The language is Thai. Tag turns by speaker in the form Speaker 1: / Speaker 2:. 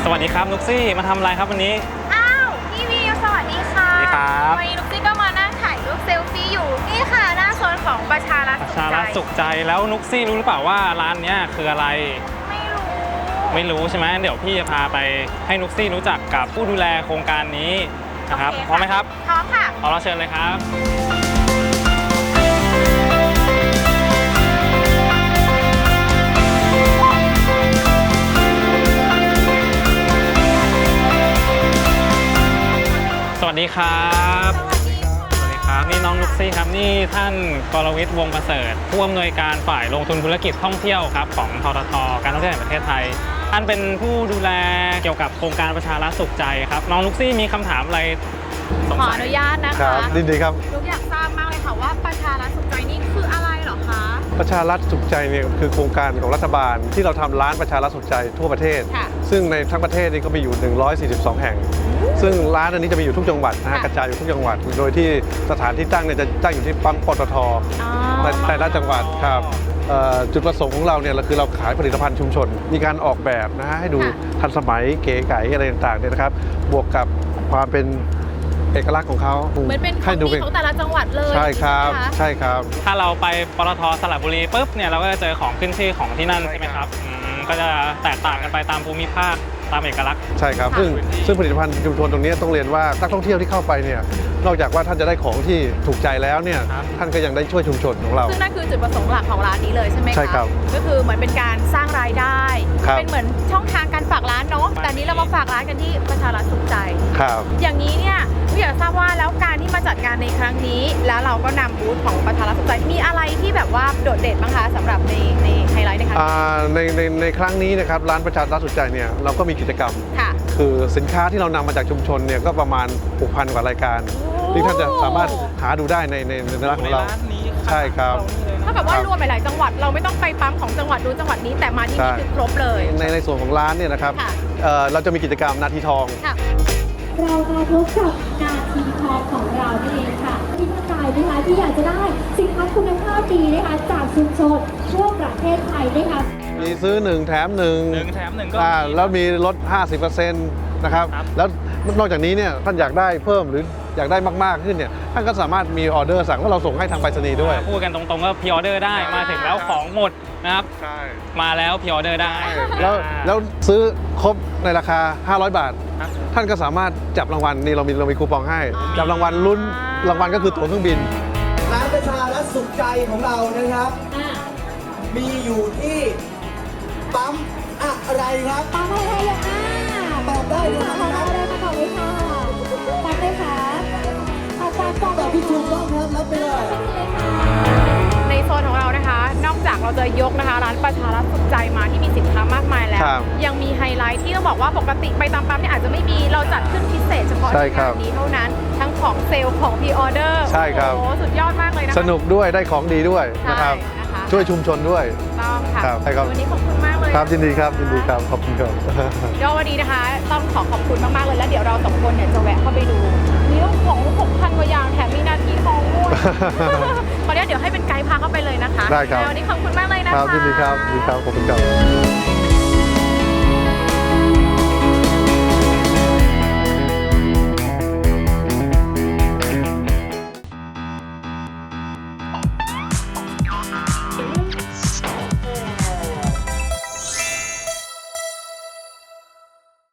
Speaker 1: สวัสดีครับนุกซี่มาทำอะไรครับวันนี้
Speaker 2: อ้าวพี่วิวสวัสดีค่ะ
Speaker 1: สวัสดีครับ
Speaker 2: วันนี้นุกซี่ก็มานั่งถ่ายรูปเซลฟี่อยู่นี่ค่ะหน้าโซนของประชารัฐ
Speaker 1: สุขใจแล้วนุกซี่รู้หรือเปล่าว่าร้านนี้คืออะไรไม่รู้ใช่ไหมเดี๋ยวพี่จะพาไปให้นุกซี่รู้จักกับผู้ดูแลโครงการนี้นะครับพร้อมไหมครับ
Speaker 2: พร้อมค่ะ
Speaker 1: ขอเราเชิญเลยครับสวัสดีครับสวัสดีครับนี่น้องนุกซี่ครับนี่ท่านกรวิทย์วงศ์ประเสริฐผู้อำนวยการฝ่ายลงทุนธุรกิจท่องเที่ยวครับของททท.การท่องเที่ยวแห่งประเทศไทยท่านเป็นผู้ดูแลเกี่ยวกับโครงการประชารัฐสุขใจครับน้องนุกซี่มีคำถามอะไร
Speaker 2: ขออนุญาตนะคะ
Speaker 3: ครับดีครับ
Speaker 2: นุกอยากทราบมากเลยค่ะว่าประชารัฐสุขใจนี่คืออะไรเหรอคะ
Speaker 3: ประชารัฐสุขใจเนี่ยคือโครงการของรัฐบาลที่เราทำร้านประชารัฐสุขใจทั่วประเทศซึ่งในทั้งประเทศนี่ก็มีอยู่142แห่งซึ่งร้านอันนี้จะมีอยู่ทุกจังหวัดนะฮะกระจายอยู่ทุกจังหวัดโดยที่สถานที่ตั้งเนี่ยจะตั้งอยู่ที่ปั๊มปตท.ในแต่ละจังหวัดครับจุดประสงค์ของเราเนี่ยคือเราขายผลิตภัณฑ์ชุมชนมีการออกแบบนะฮะให้ดูทันสมัยเก๋ไก๋อะไรต่างๆเนี่ยนะครับบวกกับความเป็นเอกลักษณ์ของเขา
Speaker 2: เหมือนเป็นของดีของแต่ละจังหวัดเลย
Speaker 3: ใช่ครับใช่ครับ
Speaker 1: ถ้าเราไปปตท.สระบุรีปุ๊บเนี่ยเราก็จะเจอของขึ้นชื่อของที่นั่นใช่ไหมครับก็จะแตกต่างกันไปตามภูมิภาคตามเอกลักษณ์
Speaker 3: ใช่ครับซึ่งผลิตภัณฑ์ชุมชนตรงนี้ต้องเรียนว่านักท่องเที่ยวที่เข้าไปเนี่ยนอกจากว่าท่านจะได้ของที่ถูกใจแล้วเนี่ยท่านก็ยังได้ช่วยชุมชนของเรา
Speaker 2: ซึ่งนั่นคือจุดประสงค์หลักของร้านนี้เลยใช่ไหมคะ
Speaker 3: ใช่ครับ
Speaker 2: ก็คือเหมือนเป็นการสร้างรายได้เป็นเหมือนช่องทางการฝากร้านเนาะแต่นี้เรามาฝากร้านกันที่ประชารัฐสุขใจ
Speaker 3: ครับ
Speaker 2: อย่างนี้เนี่ยอยากทราบว่าแล้วการที่มาจัดงานในครั้งนี้แล้วเราก็นำบูธของประชารัฐสุขใจมีอะไรที่แบบว่าโดดเด่นบ้างคะสำหรับในไฮไลท์ในครั้ง
Speaker 3: นี้ในครั้งนี้นะครับร้านประชารัฐสุขใจเนี่ยเราก็มีกิจกรรมคือสินค้าที่เรานำมาจากชุมชนเนี่ยก็ประมาณ 6,000 กว่ารายการที่ท่านจะสามารถหาดูได้ในร้านของเราใช่ครับ
Speaker 2: เท่ากับว่ารวมหลายๆจังหวัดเราไม่ต้องไปปั๊มของจังหวัดนู้นจังหวัดนี้แต่มาที่นี่คือครบเลย
Speaker 3: ในส่วนของร้านเนี่ยนะครับเราจะมีกิจกรรมนาทีทอง
Speaker 4: เรามาพบกับนาทีทองของเราเองค่ะที่ท่านใดนะคะที่อยากจะได้สินค้าคุณภาพดีนะคะจากชุมชนทั่วประเทศไทยนะคะ
Speaker 3: มีซื้อ1 แถม 1
Speaker 1: ก็
Speaker 3: แล้วมีลด 50% นะครับแล้วนอกจากนี้เนี่ยท่านอยากได้เพิ่มหรืออยากได้มากๆขึ้นเนี่ยท่านก็สามารถมีออเดอร์สั่งว่าเราส่งให้ทางไปรษณีย์ด้วย
Speaker 1: พูดกันตรงๆก็พรีออเดอร์ได้มาถึงแล้วของหมดนะครับมาแล้วพรีออเดอร์ได้
Speaker 3: แล้วซื้อครบในราคา500 บาทท่านก็สามารถจับรางวัลนี่เรามีคูปองให้จับรางวัลลุ้นรางวัลก็คือตั๋วเครื่องบิน
Speaker 5: ร้านประชารัฐสุขใจของเรานะครับมีอยู่ที่ปั๊มอะไรครับ
Speaker 4: ปั๊มอะไร
Speaker 5: ตอบได้เลยครับ
Speaker 4: ตอบได้ค่ะตอบเลยค่ะปั๊มเลยค่ะ
Speaker 5: ตอบที่ถูกต้องครับรับไปเลย
Speaker 2: ในโซนของเรานะคะนอกจากเราจะยกนะคะร้านประชารัฐสุขใจมาที่มีสินค้ามากมายแล้วยังมีไฮไลท์ที่ต้องบอกว่าปกติไปตามปั๊มเนี่ยอาจจะไม่มีเราจัดขึ้นพิเศษเฉพาะในงานนี้เท่านั้นทั้งของเซลล์ของพรีออเดอร์
Speaker 3: ใช่ครับ
Speaker 2: โอ้สุดยอดมากเลยนะคะ
Speaker 3: สนุกด้วยได้ของดีด้วยนะครับช่วยชุมชนด้วย
Speaker 2: ต้องค่ะวันนี้ขอบคุณมากเลย
Speaker 3: ครับยินดีครับขอบคุณครับ
Speaker 2: เดี๋ยววันนี้นะคะต้องขอบคุณมากๆเลยแล้วเดี๋ยวเราสองคนเนี่ยจะแวะเข้าไปดูมีของ 6,000 กว่าอย่างแถมมีนาทีทองด้วยตอนนี้เดี๋ยวให้เป็นไกด์พาเข้าไปเลยนะคะ
Speaker 3: ได้ครับ
Speaker 2: วันนี้ขอบคุณมากเลยนะคะ
Speaker 3: ครับยินดีครับขอบคุณครับ